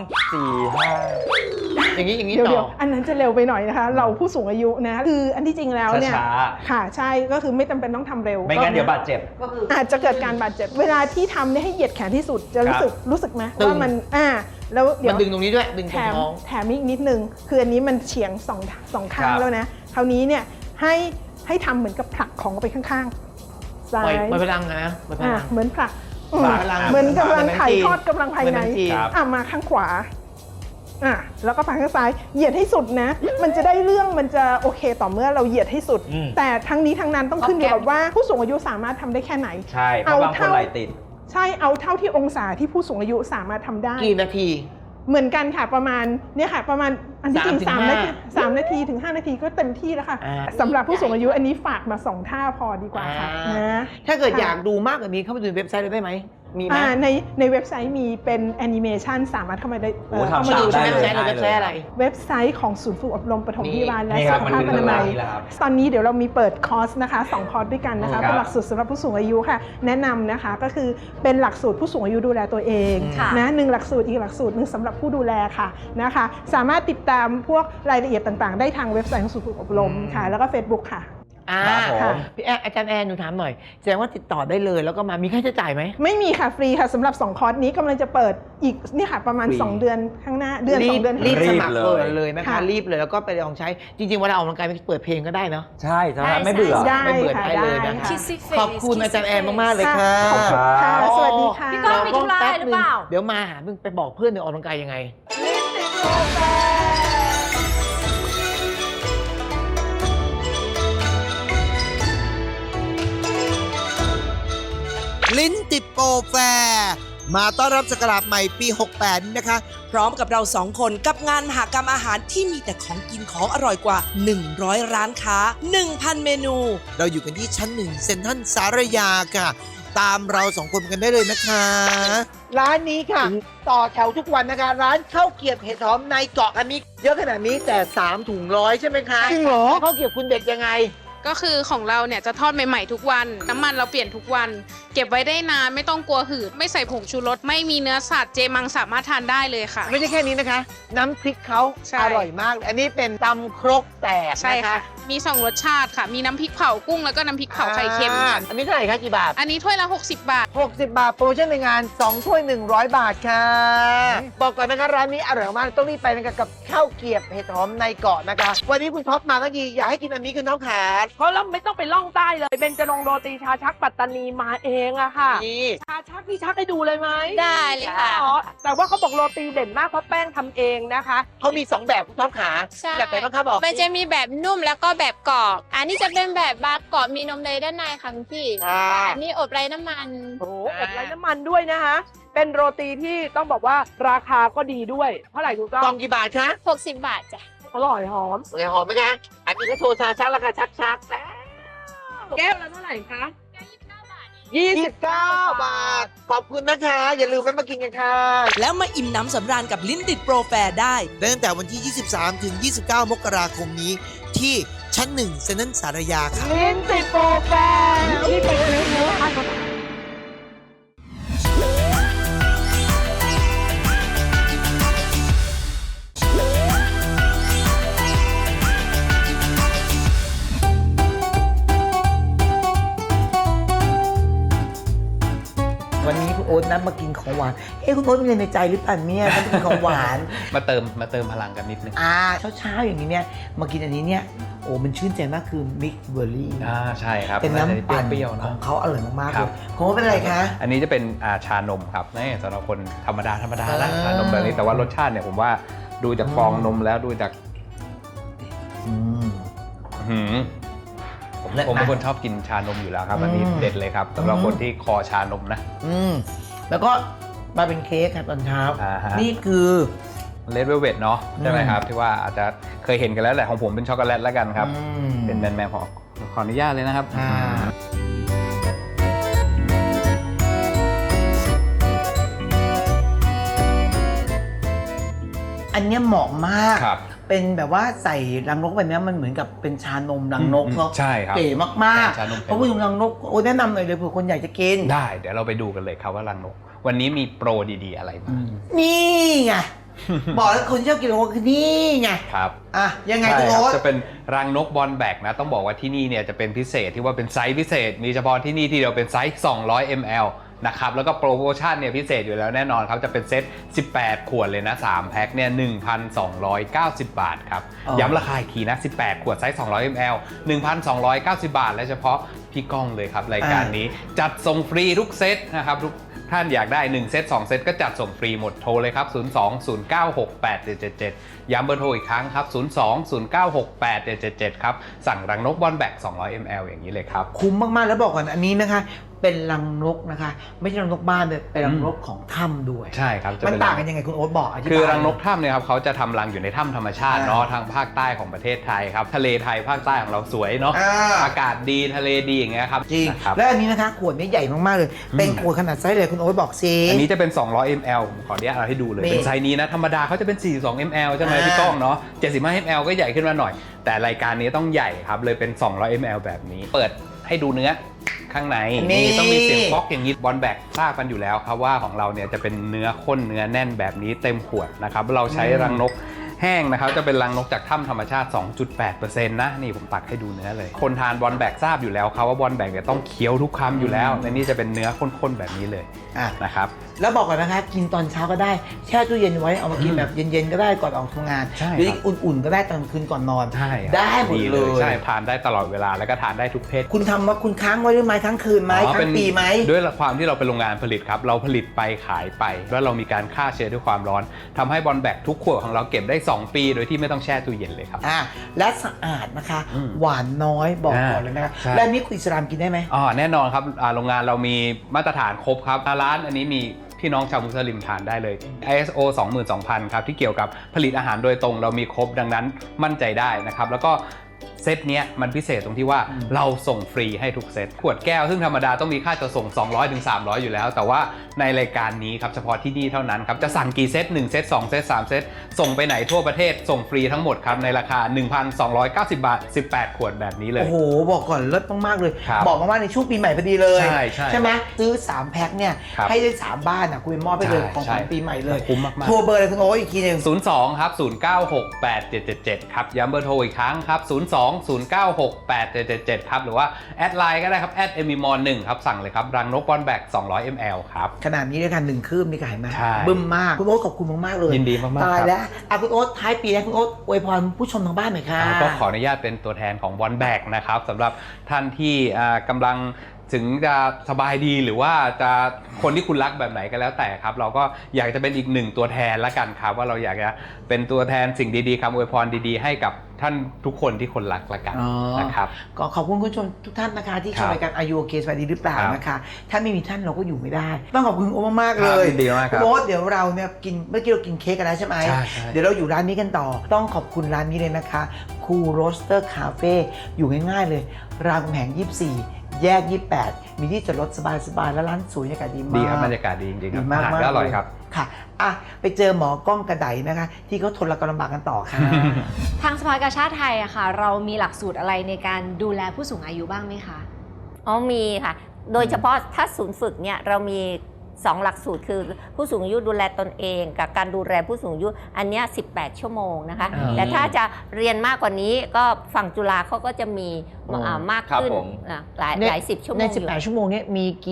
[SPEAKER 3] 4-5
[SPEAKER 2] อย่างนี้
[SPEAKER 6] เดี๋
[SPEAKER 2] ต่
[SPEAKER 6] ยว
[SPEAKER 2] อ
[SPEAKER 6] ๆอันนั้นจะเร็วไปหน่อยนะคะ เราผู้สูงอายุนะคืออันที่จริงแล้วเนี่ย
[SPEAKER 3] ช้า
[SPEAKER 6] ค่ะใช่ก็คือไม่จำเป็นต้องทำเร็ว
[SPEAKER 3] ไม่งั้นเดี๋ยวบาดเจ็บ
[SPEAKER 6] อาจจะเกิดการบาดเจ็บเวลาที่ทำเนี่ยให้เหยียดแขนที่สุดจะรู้สึกไหม
[SPEAKER 2] ตึง
[SPEAKER 6] ว่ามันแล้วเดี๋
[SPEAKER 2] มั
[SPEAKER 6] ย
[SPEAKER 2] น
[SPEAKER 6] ว
[SPEAKER 2] ดึงตรงนี้ด้วยดึงต
[SPEAKER 6] แถ
[SPEAKER 2] รง
[SPEAKER 6] ม
[SPEAKER 2] ท้อง
[SPEAKER 6] แถมอีกนิดนึงคืออันนี้มันเฉียงสองข้าง
[SPEAKER 3] ครับ
[SPEAKER 6] แล้วนะคราวนี้เนี่ยให้ทำเหมือนกับผลักของออกไปข้างๆซ้า
[SPEAKER 2] ปล่อย
[SPEAKER 6] ย
[SPEAKER 2] พลังนะปล่อยพลัง
[SPEAKER 6] เหมือนผลัก
[SPEAKER 2] ปล่อยพลัง
[SPEAKER 6] เหมือนกำลัง
[SPEAKER 2] เหมือน
[SPEAKER 6] ถ่าย
[SPEAKER 2] จีน
[SPEAKER 6] ทอดกำลังภายใน
[SPEAKER 2] เหมือนจีน
[SPEAKER 3] ครับ
[SPEAKER 6] มาข้างขวาแล้วก็ไปข้างซ้ายเหยียดให้สุดนะ มันจะได้เรื่องมันจะโอเคต่อเมื่อเราเหยียดให้สุด
[SPEAKER 3] อืม
[SPEAKER 6] แต่ทั้งนี้ทั้งนั้นต้องขึ้นอยู่กับว่าผู้สูงอายุสามารถทำได้แค่ไหน
[SPEAKER 3] ใช่เพราะบางคนไหลติด
[SPEAKER 6] ใช่เอาเท่าที่องศาที่ผู้สูงอายุสามารถทำได้
[SPEAKER 2] กี่นาที
[SPEAKER 6] เหมือนกันค่ะประมาณเนี่ยค่ะประมาณอันที่จริง
[SPEAKER 2] 3 ถึง
[SPEAKER 6] 3 นาทีถึง 5 นาทีก็เต็มที่แล้วค่ะ
[SPEAKER 2] อ่า
[SPEAKER 6] สำหรับผู้สูงอายุอันนี้ฝากมา2ท่าพอดีกว่าค่ะนะ
[SPEAKER 2] ถ้าเกิดอยากดูมากกว่านี้เข้าไปดูในเว็บไซต์เราได้ไหมมีไหม
[SPEAKER 6] ในเว็บไซต์มีเป็นแอนิเมชันสามารถเข้ามาได้
[SPEAKER 3] โอ้ทำ
[SPEAKER 6] เข้ามาดู
[SPEAKER 3] ได้
[SPEAKER 6] ได้
[SPEAKER 3] เล
[SPEAKER 6] เลย ย
[SPEAKER 2] เว็บไซต์อะไร
[SPEAKER 6] เว็บไซต์ของศูนย์ฝึกอบรมปฐมพยาบาลและ
[SPEAKER 3] นี่
[SPEAKER 6] สุ
[SPEAKER 3] ครับ
[SPEAKER 6] ขภาพ
[SPEAKER 3] มัน
[SPEAKER 6] อ
[SPEAKER 3] คือ
[SPEAKER 6] นามัย
[SPEAKER 3] นี่แหละครับ
[SPEAKER 6] ตอนนี้เดี๋ยวเรามีเปิดคอร์สนะคะ2คอร์สด้วยกันนะคะ
[SPEAKER 3] ครับ
[SPEAKER 6] เป็นหลักสูตรสำหรับผู้สูงอายุค่ะ แนะนำนะคะก็คือเป็นหลักสูตรผู้สูงอายุดูแลตัวเอง
[SPEAKER 1] ค่ะ
[SPEAKER 6] นะ1หลักสูตรอีกหลักสูตรหนึงสำหรับผู้ดูแลค่ะนะคะสามารถติดตามพวกรายละเอียดต่างๆ ได้ทางเว็บไซต์ของศูนย์ฝึกอบรมค่ะแล้วก็ Facebook ค่ะ
[SPEAKER 3] ครับผม
[SPEAKER 2] พี่อาจารย์แอนหนูถามหน่อยแสดงว่าติดต่อได้เลยแล้วก็มามีค่าใช้จ่ายไหม
[SPEAKER 6] ไม่มีค่ะฟรีค่ะสำหรับ2คอร์สนี้กำลังจะเปิดอีกนี่ค่ะประมาณ
[SPEAKER 3] ฟรี
[SPEAKER 6] 2 เดือนข้างหน้าเดือน 2 เดือนข้างห
[SPEAKER 2] รีบ
[SPEAKER 6] น้า
[SPEAKER 2] สมัคร
[SPEAKER 3] รีบ
[SPEAKER 2] เปิ
[SPEAKER 3] เล
[SPEAKER 2] ด
[SPEAKER 3] ย
[SPEAKER 2] เลยนะคะ
[SPEAKER 6] ค่ะ
[SPEAKER 2] รีบเลยแล้วก็ไปลองใช้จริงๆเวลาออกกำลังกายเปิดเพลงก็ได้เนาะ
[SPEAKER 3] ใช่ทำไมไม่เบื่อ
[SPEAKER 6] ได้
[SPEAKER 2] ไม่เบื่อ
[SPEAKER 6] ค่ะ
[SPEAKER 2] ได้เลย
[SPEAKER 6] ได้
[SPEAKER 2] นะ
[SPEAKER 6] ค่ะ
[SPEAKER 1] Kissy face
[SPEAKER 2] ขอบคุณอาจารย์แอนมากๆเลยค่ะ
[SPEAKER 6] ขอบคุณค่ะสวัสดีค่ะ
[SPEAKER 1] พี่ก้องมีธุระอะไรหรือเปล่า
[SPEAKER 2] เดี๋ยวมาหามึงไปบอกเพื่อนเดี๋ยวออกกำลังกายยังไง
[SPEAKER 5] ลิ้นติดโปรแฟร์มาต้อนรับศักราชใหม่ปี 68นี้นะคะ
[SPEAKER 7] พร้อมกับเราสองคนกับงานมหกรรมอาหารที่มีแต่ของกินของอร่อยกว่า 100 ร้านค้า 1,000 เมนู
[SPEAKER 5] เราอยู่กันที่ชั้น 1 เซ็นทรัลสารยาค่ะ ตามเราสองคนกันได้เลยนะคะ
[SPEAKER 2] ร้านนี้ค่ะ ต่อแถวทุกวันนะคะ ร้านข้าวเกรียบเห็ดหอมในเกาะอันนี้เยอะขนาดนี้แต่3 ถุง100ใช่ไหมคะ
[SPEAKER 8] จริงเหรอ
[SPEAKER 2] ข้าวเกรียบคุณเด็ดยังไง
[SPEAKER 8] ก็คือของเราเนี่ยจะทอดใหม่ๆทุกวัน น้ำมันเราเปลี่ยนทุกวัน เก็บไว้ได้นานไม่ต้องกลัวหืด ไม่ใส่ผงชูรส ไม่มีเนื้อสัตว์เจมังสามารถทานได้เลยค่ะ
[SPEAKER 2] ไม่ใช่แค่นี้นะคะ น้ำพริกเขา
[SPEAKER 8] ใช่
[SPEAKER 2] อร่อยมากเลยอันนี้เป็นตำครกแตก
[SPEAKER 8] ใช่
[SPEAKER 2] นะคะ
[SPEAKER 8] ค่ะ มี 2 รสชาติค่ะ มีน้ำพริกเผากุ้งแล้วก็น้ำพริกเผาไข่เค็มค่ะ
[SPEAKER 2] อันนี้เท่าไหร่คะกี่บาท
[SPEAKER 8] อันนี้ถ้วยละ 60 บาท
[SPEAKER 2] 60 บาท โปรโมชั่นในงาน 2 ถ้วย 100 บาทค่ะ บอกก่อนนะคะร้านนี้อร่อยมากต้องรีบไปนะคะกับข้าวเกรียบเห็ดหอมในเกาะนะคะ วันนี้คุณท็อปมาเมื่อกี้อยากให้กินอันนี้คือน้องขา
[SPEAKER 9] เพราะเราไม่ต้องไปล่องใต้เลยเบญจรงค์โรตีชาชักปัตตานีมาเองอะค่ะ
[SPEAKER 2] นี่
[SPEAKER 9] ชาชักพี่ชักให้ดูเลยไหม
[SPEAKER 7] ได้เลยค่ะ
[SPEAKER 9] อ๋อแต่ว่าเขาบอกโรตีเด่นมากเพราะแป้งทำเองนะคะ
[SPEAKER 2] เขามี 2 แบบคุณท็อปขา
[SPEAKER 10] ใช่
[SPEAKER 2] แบบไหนบ้างคะบอก
[SPEAKER 10] มันจะมีแบบนุ่มแล้วก็แบบกรอบ อันนี้จะเป็นแบบบาร์กรอบมีนมเนยด้านในค่ะคุณพี่
[SPEAKER 2] ค่ะ
[SPEAKER 10] อันนี้อบไร้น้ำมัน
[SPEAKER 9] โอ้โหอบไร้น้ำมันด้วยนะคะ เป็นโรตีที่ต้องบอกว่าราคาก็ดีด้วย เท่าไหร่ถูกต้
[SPEAKER 2] กล่
[SPEAKER 9] อ
[SPEAKER 2] อง งกี่บาทคะ
[SPEAKER 10] 60 บาทจ้ะ
[SPEAKER 9] อร่อยหอม
[SPEAKER 2] สวยหอมไหมคะ อันนี้ก็โชว์ชาชักราคาชักๆแล้ว
[SPEAKER 9] แก้วละเท่าไหร่คะ
[SPEAKER 2] 29 บาท ขอบคุณนะคะ อย่าลืมแวะมากินกันค่ะ
[SPEAKER 7] แล้วมาอิ่มน้ำสำราญกับลิ้นติดโปรแฟร์ได้
[SPEAKER 5] ตั้งแต่วันที่ 23 ถึง 29 มกราคมนี้ ที่ชั้น 1 เซ็นทรัลสารยาค่ะ
[SPEAKER 9] ลิ้นติดโปรแฟร์ที่ไปเนื้อทาน
[SPEAKER 2] วันนี้คุณโออ๊ตนะมากินของหวานคุณโอ๊ตมีอะไรในใจหรือเปล่าเนี่ยถ้ากินของหวาน
[SPEAKER 11] มาเติมพลังกันนิดนึง
[SPEAKER 2] เช้าๆอย่างนี้เนี่ยมากินอันนี้เนี่ยโอ้มันชื่นใจมากคือมิกเบอร์รี่
[SPEAKER 11] ใช่ครับ
[SPEAKER 2] เป็นน้ำปั่น
[SPEAKER 11] เปรี้ยวๆ
[SPEAKER 2] ข
[SPEAKER 11] เนาะ
[SPEAKER 2] องเขาอร่อยมากๆเลยของเขาเป็นอะไรคะ
[SPEAKER 11] อันนี้จะเป็นชานมครับนี่สำหรับคนธรรมดานะ
[SPEAKER 2] อ่า
[SPEAKER 11] ชานมแบบนี้แต่ว่ารสชาติเนี่ยผมว่าดูจากฟองนมแล้วดูจากผมเป็นคนชอบกินชานมอยู่แล้วครับอันนี้เด็ดเลยครับสำหรับคนที่คอชานมนะ
[SPEAKER 2] แล้วก็มาเป็นเค้กครับตอนเช้า
[SPEAKER 11] ฮะ
[SPEAKER 2] นี่คือ
[SPEAKER 11] เลดเวลเวทเนาะใช่ไหมครับที่ว่าอาจจะเคยเห็นกันแล้วแหละของผมเป็นช็อกโกแลตแล้วกันครับเป็นแมนขออนุญาตเลยนะครับ
[SPEAKER 2] อันเนี้ยเหมาะมาก
[SPEAKER 11] ครับ
[SPEAKER 2] เป็นแบบว่าใส่รังนกแบบนี้มันเหมือนกับเป็นชานมรังนกเนาะ
[SPEAKER 11] ใช่ครับ
[SPEAKER 2] เก๋มาก
[SPEAKER 11] ชานม
[SPEAKER 2] ๆเพราะผู้ชมรังนกโอ้แนะนำหน่อยเลยเผื่อคนอยากจะกิน
[SPEAKER 11] ได้เดี๋ยวเราไปดูกันเลยครับว่ารังนกวันนี้มีโปรดีๆอะไรบ้าง
[SPEAKER 2] นี่ไง บอกแล้วคนชอบกินรังนกคือนี่ไง
[SPEAKER 11] ครับ
[SPEAKER 2] ยังไง
[SPEAKER 11] ใช่
[SPEAKER 2] คุณ
[SPEAKER 11] ครั
[SPEAKER 2] โอ๊
[SPEAKER 11] บ
[SPEAKER 2] ต
[SPEAKER 11] จะเป็นรังนกบอลแบกนะต้องบอกว่าที่นี่เนี่ยจะเป็นพิเศษที่ว่าเป็นไซส์พิเศษมีเฉพาะที่นี่ที่เดียวเป็นไซส์200 ml นะครับแล้วก็โปรโมชั่นเนี่ยพิเศษอยู่แล้วแน่นอนครับจะเป็นเซต18 ขวดเลยนะ3แพ็คเนี่ย 1,290 บาทครับย้ำราคาอีกทีนะ18 ขวดไซส์200 ml 1,290 บาทและเฉพาะพี่ก้องเลยครับรายการนี้จัดส่งฟรีทุกเซตนะครับทุกท่านอยากได้1เซต2เซตก็จัดส่งฟรีหมดโทรเลยครับ02-096-8777ย้ำเบอร์โทรอีกครั้งครับ02-096-8777ครับสั่งรังนกบอลแบก200 ml อย่างนี้เลยครับ
[SPEAKER 2] คุ้มมากๆแล้วบอกก่อนอันนี้นะคะเป็นรังนกนะคะไม่ใช่รังนกบ้านเลยเป็นรังนกของถ้ำด้วย
[SPEAKER 11] ใช่ครับจะ
[SPEAKER 2] มัน
[SPEAKER 11] เป็น
[SPEAKER 2] ต่างกันยังไงคุณโอ๊ตบอกอธิบาย
[SPEAKER 11] คือรังนกถ้ำเนี่ยครับเขาจะทำรังอยู่ในถ้ำธรรมชาติเนาะทางภาคใต้ของประเทศไทยครับทะเลไทยภาคใต้ของเราสวยเนาะอากาศดีทะเลดีอย่างเงี้ยครับ
[SPEAKER 2] จริง
[SPEAKER 11] นะครับ
[SPEAKER 2] และอันนี้นะคะขวดนี้ใหญ่มากๆเลยเป็นขวดขนาดไซส์เลยคุณโอ๊ตบอกซิ
[SPEAKER 11] อันนี้จะเป็น200 ml ผมขออนุญาตเอาให้ดูเลย
[SPEAKER 2] นี่
[SPEAKER 11] เป็นไซส์นี้นะธรรมดาเขาจะเป็น42 ml ใช่ไหมพี่ก้องเนาะ75 ml ก็ใหญ่ขึ้นมาหน่อย แต่รายการนี้ต้องใหญ่ครับเลยเป็น200 ml แบบนี้เปิดให้ดูเนื้อข้างในนี่ต้องมีเสียงก๊อกอย่างนี้บอลแบกทราบกันอยู่แล้วครับว่าของเราเนี่ยจะเป็นเนื้อข้นเนื้อแน่นแบบนี้เต็มขวดนะครับเราใช้รังนกแห้งนะครับจะเป็นรังนกจากถ้ำธรรมชาติ 2.8% นะนี่ผมตักให้ดูเนื้อเลยคนทานบอลแบกทราบอยู่แล้วครับว่าบอลแบกเนี่ยต้องเคี้ยวทุกคำอยู่แล้วและนี่จะเป็นเนื้อข้นๆแบบนี้เลยนะครับ
[SPEAKER 2] แล้วบอกก่อนนะคะกินตอนเช้าก็ได้แช่ตู้เย็นไว้เอามากินแบบเย็นๆก็ได้ก่อนออกทำงาน
[SPEAKER 11] ใช่
[SPEAKER 2] หรือ
[SPEAKER 11] ครับ
[SPEAKER 2] อุ่นๆก็ได้ตอนคืนก่อนนอน
[SPEAKER 11] ใช่ครับ
[SPEAKER 2] ได้หมดเลย
[SPEAKER 11] ใช่ทานได้ตลอดเวลาแล้วก็ทานได้ทุกเพศ
[SPEAKER 2] คุณทำว่าคุณค้างไว้ด้วยไหมค้างคืนไหมค้างปีไหม
[SPEAKER 11] ด้วยความที่เราเป็นโรงงานผลิตครับเราผลิตไปขายไปแล้วเรามีการฆ่าเชื้อด้วยความร้อนทำให้บอลแบกทุกขวดของเราเก็บได้2 ปีโดยที่ไม่ต้องแช่ตู้เย็นเลยครับ
[SPEAKER 2] และสะอาดนะคะหวานน้อยบอกก่อนเลยนะคะ
[SPEAKER 11] ใช่
[SPEAKER 2] และนี่คุณอิสลามกินได้ไหม
[SPEAKER 11] แน่นอนครับโรงงานเรามีมาตรฐานครบครับร้านอันนี้มีพี่น้องชาวมุสลิมทานได้เลย ISO 22,000 ครับที่เกี่ยวกับผลิตอาหารโดยตรงเรามีครบดังนั้นมั่นใจได้นะครับแล้วก็เซตเนี้ยมันพิเศษตรงที่ว่าเราส่งฟรีให้ทุกเซตขวดแก้วซึ่งธรรมดาต้องมีค่าจัดส่ง 200-300 อยู่แล้วแต่ว่าในรายการนี้ครับเฉพาะที่นี่เท่านั้นครับจะสั่งกี่เซต1เซต2เซต3เซตส่งไปไหนทั่วประเทศส่งฟรีทั้งหมดครับในราคา 1,290 บาท18 ขวดแบบนี้เลย
[SPEAKER 2] โอ้โหบอกก่อนเลิศมากๆเลย
[SPEAKER 11] ครับ
[SPEAKER 2] บอกมาว่าในช่วงปีใหม่พอดีเลย
[SPEAKER 11] ใช่
[SPEAKER 2] ไหมซื้อ3แพ็คเนี่ย
[SPEAKER 11] ครับ
[SPEAKER 2] ให้ได้3บ้านคุณไปมอบไปเลยของขวัญปีใหม่เลย
[SPEAKER 11] คุ้มมากๆ
[SPEAKER 2] โทรเบอร์เลยคุณโอ๊ตอีกทีหนึง
[SPEAKER 11] 02 ครับ 096-8777 ครับย้ำเบอร์โทรอีกครั้งครับ 02-096-8777 ครับหรือว่าแอดไลน์ก็ได้ครับ@emimon1 ครับสั่งเลยครับรังนกบอลแบก200 ml ครับ
[SPEAKER 2] ขนาดนี้ด้วยกัน1 คืบนี่ก็เห็นไหม
[SPEAKER 11] ใช่
[SPEAKER 2] บึ้มมากคุณโอ๊ตขอบคุณมากๆเลย
[SPEAKER 11] ยินดีมากๆ
[SPEAKER 2] ตาย
[SPEAKER 11] ครับ
[SPEAKER 2] แล้วคุณโอ๊ตท้ายปีนะคุณโอ๊ตอวยพรผู้ชมทางบ้านหน่อยค่ะ
[SPEAKER 11] ก็ขออนุญาตเป็นตัวแทนของบอลแบกนะครับสำหรับท่านที่กำลังถึงจะสบายดีหรือว่าจะคนที่คุณรักแบบไหนก็แล้วแต่ครับเราก็อยากจะเป็นอีกหนึ่งตัวแทนละกันครับว่าเราอยากจะเป็นตัวแทนสิ่งดีๆคำอวยพรดีๆให้กับท่านทุกคนที่คนรักละกันนะครับ
[SPEAKER 2] ก็ขอบคุณคุณผู้ชมทุกท่านนะคะที่ชมรายการอายุโอเคสบายดีหรือเปล่านะคะถ้าไม่มีท่านเราก็อยู่ไม่ได้ต้องขอบคุณโอ๊ตมากๆเลย
[SPEAKER 11] ยินดีมากครับ
[SPEAKER 2] โอ๊ตเดี๋ยวเราเนี่ยกินเมื่อกี้เรากินเค้กกันแล้วใช่ไหม
[SPEAKER 11] ใช่
[SPEAKER 2] เดี๋ยวเราอยู่ร้านนี้กันต่อต้องขอบคุณร้านนี้เลยนะคะคูโรสเตอร์คาเฟ่อยู่ง่ายๆเลยรามคำแหง24 แยก 28 มีที่จอดรถสบายๆและร้านสวยบรรยากาศดีมาก
[SPEAKER 11] ดีครับบรรยากาศดีจริงๆค
[SPEAKER 2] ดี
[SPEAKER 11] รับ
[SPEAKER 2] มาก
[SPEAKER 11] อาหาร
[SPEAKER 2] มาก
[SPEAKER 11] ก็อร่อยครับ
[SPEAKER 2] ค่ะไปเจอหมอกล้องกระไดนะคะ ที่เขาทนละกำลำบากกันต่อค่ะ
[SPEAKER 1] ทางสภากาชาติไทยอะค่ะ เรามีหลักสูตรอะไรในการดูแลผู้สูงอายุบ้างไหมคะ
[SPEAKER 4] มีค่ะ โดยเฉพาะถ้าศูนย์ฝึกเนี่ยเรามี2 หลักสูตรคือผู้สูงอายุดูแลตนเองกับการดูแลผู้สูงอายุอันเนี้ย18 ชั่วโมงนะคะแต่ถ้าจะเรียนมากกว่านี้ก็ฝั่งจุฬาเขาก็จะมีมากขึ้นหลาย10 ชั่วโมง
[SPEAKER 2] ใน
[SPEAKER 4] อยู่
[SPEAKER 2] 18 ชั่วโมงนี้มีกี่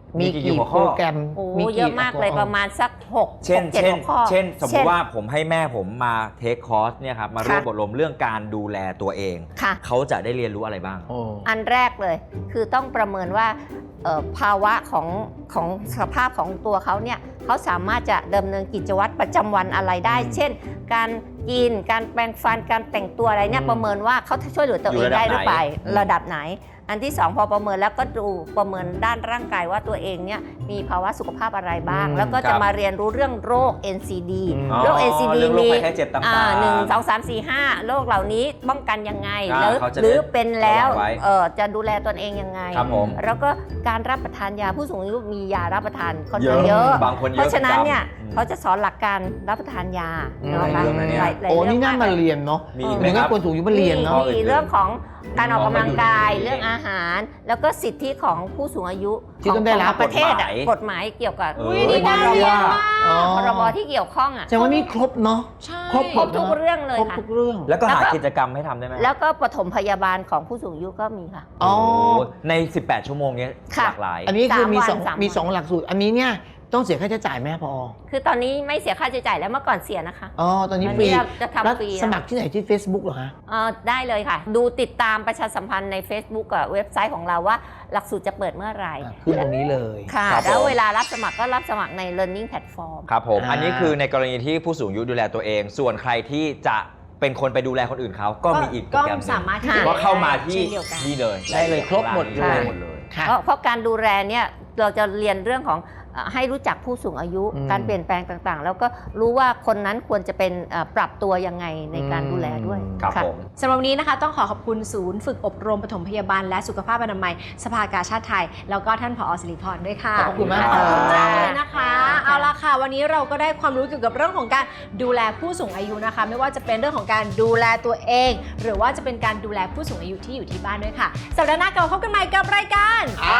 [SPEAKER 2] มีกี่โปรแกรม
[SPEAKER 4] โอ้
[SPEAKER 2] มี
[SPEAKER 4] เยอะมากเลยประมาณสัก6
[SPEAKER 3] เช่น
[SPEAKER 4] 7 หัวข้อ
[SPEAKER 3] เช่นสมมติว่าผมให้แม่ผมมาเทคคอร์สเนี่ยครับมาร่วม
[SPEAKER 4] ค่ะ
[SPEAKER 3] อบรมเรื่องการดูแลตัวเอง
[SPEAKER 4] ค่ะ
[SPEAKER 3] เขาจะได้เรียนรู้อะไรบ้าง
[SPEAKER 4] อันแรกเลยคือต้องประเมินว่าภาวะของสภาพของตัวเขาเนี่ยเขาสามารถจะดำเนินกิจวัตรประจำวันอะไรได้ เช่น การกินการแปรงฟันการแต่งตัวอะไรเนี่ยประเมินว่าเขาช่วยเหลือตัวเองได้หรือเปล่าระดับไหน อันที่2พอประเมินแล้วก็ดูประเมินด้านร่างกายว่าตัวเองเนี่ยมีภาวะสุขภาพอะไรบ้าง แล้วก็จะมาเรียนรู้เรื่องโรค NCD โรค NCD
[SPEAKER 3] เรื่องโรค
[SPEAKER 4] มี
[SPEAKER 3] ภัยไข้เจ็บต่างๆ
[SPEAKER 4] 1 2 3 4 5โรคเหล่านี้ป้องกันยังไง
[SPEAKER 3] เขาจะ
[SPEAKER 4] หรือเป็นแล้ว
[SPEAKER 3] ระวังไว้
[SPEAKER 4] จะดูแลตนเองยังไง
[SPEAKER 3] ครับผม
[SPEAKER 4] แล้วก็การรับประทานยาผู้สูงอายุมียารับประทานค่อนข้างเยอะ
[SPEAKER 3] บางคนเยอะ
[SPEAKER 4] เพราะฉะนั้นเนี่ย
[SPEAKER 3] อืม
[SPEAKER 4] เขาจะสอนหลักการรับประทานยา
[SPEAKER 2] อืม
[SPEAKER 4] เนาะ
[SPEAKER 3] หลายเรื่องนะเนี่ย
[SPEAKER 4] หลาย
[SPEAKER 2] โอ้
[SPEAKER 4] เรื่
[SPEAKER 2] นี่
[SPEAKER 4] ง
[SPEAKER 2] น่ามาเรียนเนาะ
[SPEAKER 3] มีอีก
[SPEAKER 2] ห
[SPEAKER 3] ไหม
[SPEAKER 2] นึ่ง
[SPEAKER 3] ค
[SPEAKER 2] ให้
[SPEAKER 3] รับ
[SPEAKER 2] คนสูงอายุมาเรียนเนาะ
[SPEAKER 4] มีเรื่องของการออกกำลังกาย
[SPEAKER 3] อืม
[SPEAKER 4] เรื่องอาหาร แล้วก็สิทธิของผู้สูงอายุ
[SPEAKER 2] ที่ต้องได้รับ
[SPEAKER 4] ขประเทศอะ
[SPEAKER 3] ก
[SPEAKER 4] ก
[SPEAKER 3] ฎ
[SPEAKER 4] ฎ
[SPEAKER 3] หมาย
[SPEAKER 4] หมายเกี่ยวกับ
[SPEAKER 1] นี่น่าเรียนมาก
[SPEAKER 2] อ๋อ
[SPEAKER 4] พรบที่เกี่ยวข้องอ่ะ
[SPEAKER 2] แสดงว่ามีครบเนาะ
[SPEAKER 1] ใช่
[SPEAKER 2] ครบ
[SPEAKER 4] ครบทุกเรื่องเลย
[SPEAKER 2] ครบ
[SPEAKER 4] ค่ะ
[SPEAKER 2] ทุกเรื่อง
[SPEAKER 3] แล้วก็หา
[SPEAKER 4] แล้วก็
[SPEAKER 3] กิจกรรมให้ทำได้ไหม
[SPEAKER 4] แล้วก็ปฐมพยาบาลของผู้สูงอายุก็มีค่ะ
[SPEAKER 2] อ๋อ
[SPEAKER 3] โอ้ใน 18 ชั่วโมงเนี้ย
[SPEAKER 4] ค่ะ
[SPEAKER 3] หลากหลาย
[SPEAKER 2] อันนี้คือมี
[SPEAKER 4] 3
[SPEAKER 2] สอง
[SPEAKER 4] วัน
[SPEAKER 2] มี2หลักสูตร อันนี้เนี่ยต้องเสียค่าใช้จ่ายไหมพอ
[SPEAKER 4] คือตอนนี้ไม่เสียค่าใช้จ่ายแล้วเมื่อก่อนเสียนะคะ
[SPEAKER 2] อ๋อ ตอนนี้
[SPEAKER 4] อัน
[SPEAKER 2] ฟรี
[SPEAKER 4] นี้เราจะ
[SPEAKER 2] แล้ว
[SPEAKER 4] ทำฟรี
[SPEAKER 2] สมัครที่ไหนที่ Facebook เหรอฮะ
[SPEAKER 4] ได้เลยค่ะ ดูติดตามประชาสัมพันธ์ใน Facebook กับเว็บไซต์ของเราว่าหลักสูตรจะเปิดเมื่อไหร่
[SPEAKER 2] ขึ้นตรงนี้เลย
[SPEAKER 4] ค่ะ
[SPEAKER 3] ครับผม
[SPEAKER 4] แล้วเวลารับสมัครก็รับสมัครใน Learning Platform
[SPEAKER 3] ครับผม
[SPEAKER 2] อ่า
[SPEAKER 3] อันนี้คือในกรณีที่ผู้สูงอายุดูแลตัวเอง ส่วนใครที่จะเป็นคนไปดูแลคนอื่นเขาก็มีอีกโปร
[SPEAKER 1] ก็
[SPEAKER 3] แกรมหนึ่ง
[SPEAKER 1] สามารถที่จะ
[SPEAKER 3] ก็เข้ามาที่
[SPEAKER 1] เช่นเดียวกัน
[SPEAKER 3] นี่เลย
[SPEAKER 2] ได้เลยครบหมดเลย
[SPEAKER 3] ได้หมดเลย
[SPEAKER 2] ค่ะ
[SPEAKER 4] เพราะการดูแลเนี่ยเราจะเรียนเรื่องของให้รู้จักผู้สูงอายุ
[SPEAKER 2] อืม
[SPEAKER 4] การเปลี่ยนแปลงต่างๆ แล้วก็รู้ว่าคนนั้นควรจะเป็นปรับตัวยังไงในการดูแลด้วย
[SPEAKER 3] ครับ
[SPEAKER 4] ค่ะ
[SPEAKER 3] ผม
[SPEAKER 1] สำหรับวันนี้นะคะต้องขอบคุณศูนย์ฝึกอบรมปฐมพยาบาลและสุขภาพอนามัยสภากาชาติไทย แล้วก็ท่านผอสิริพรด้วยค่ะ
[SPEAKER 2] ขอบคุณมาก
[SPEAKER 1] ขอบคุณ
[SPEAKER 2] ครั
[SPEAKER 1] มา
[SPEAKER 2] บ
[SPEAKER 1] กเลยนะคะ เอาละค่ะ วันนี้เราก็ได้ความรู้เกี่ยวกับเรื่องของการดูแลผู้สูงอายุนะคะ ไม่ว่าจะเป็นเรื่องของการดูแลตัวเอง หรือว่าจะเป็นการดูแลผู้สูงอายุที่อยู่ที่บ้านด้วยค่ะสัปดาห์หน้ากลับมาพบกันใหม่กับรายการ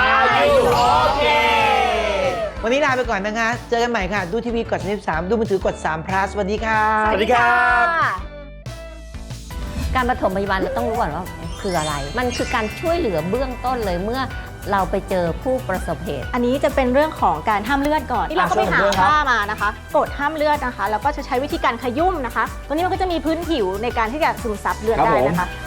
[SPEAKER 2] วันนี้ลาไปก่อนนะคะ เจอกันใหม่ค่ะ ดูทีวีกด33ดูมือถือกด3 plus สวัสดีค่ะ
[SPEAKER 3] สวัสดีครับ
[SPEAKER 4] การปฐมพยาบาลเราต้องรู้ก่อนว่าคืออะไร มันคือการช่วยเหลือเบื้องต้นเลยเมื่อเราไปเจอผู้ประสบเหตุ
[SPEAKER 12] อันนี้จะเป็นเรื่องของการห้ามเลือดก่อนที่เราก็ไปหา
[SPEAKER 3] ช่วยผมด้วยครับ
[SPEAKER 12] ผ้ามานะคะกดห้ามเลือดนะคะ แล้วก็จะใช้วิธีการขยุ่มนะคะ ตัวนี้มันก็จะมีพื้นผิวในการที่จะซึมซับเลือด
[SPEAKER 3] ครับ
[SPEAKER 12] ได้
[SPEAKER 3] ผม
[SPEAKER 12] นะคะ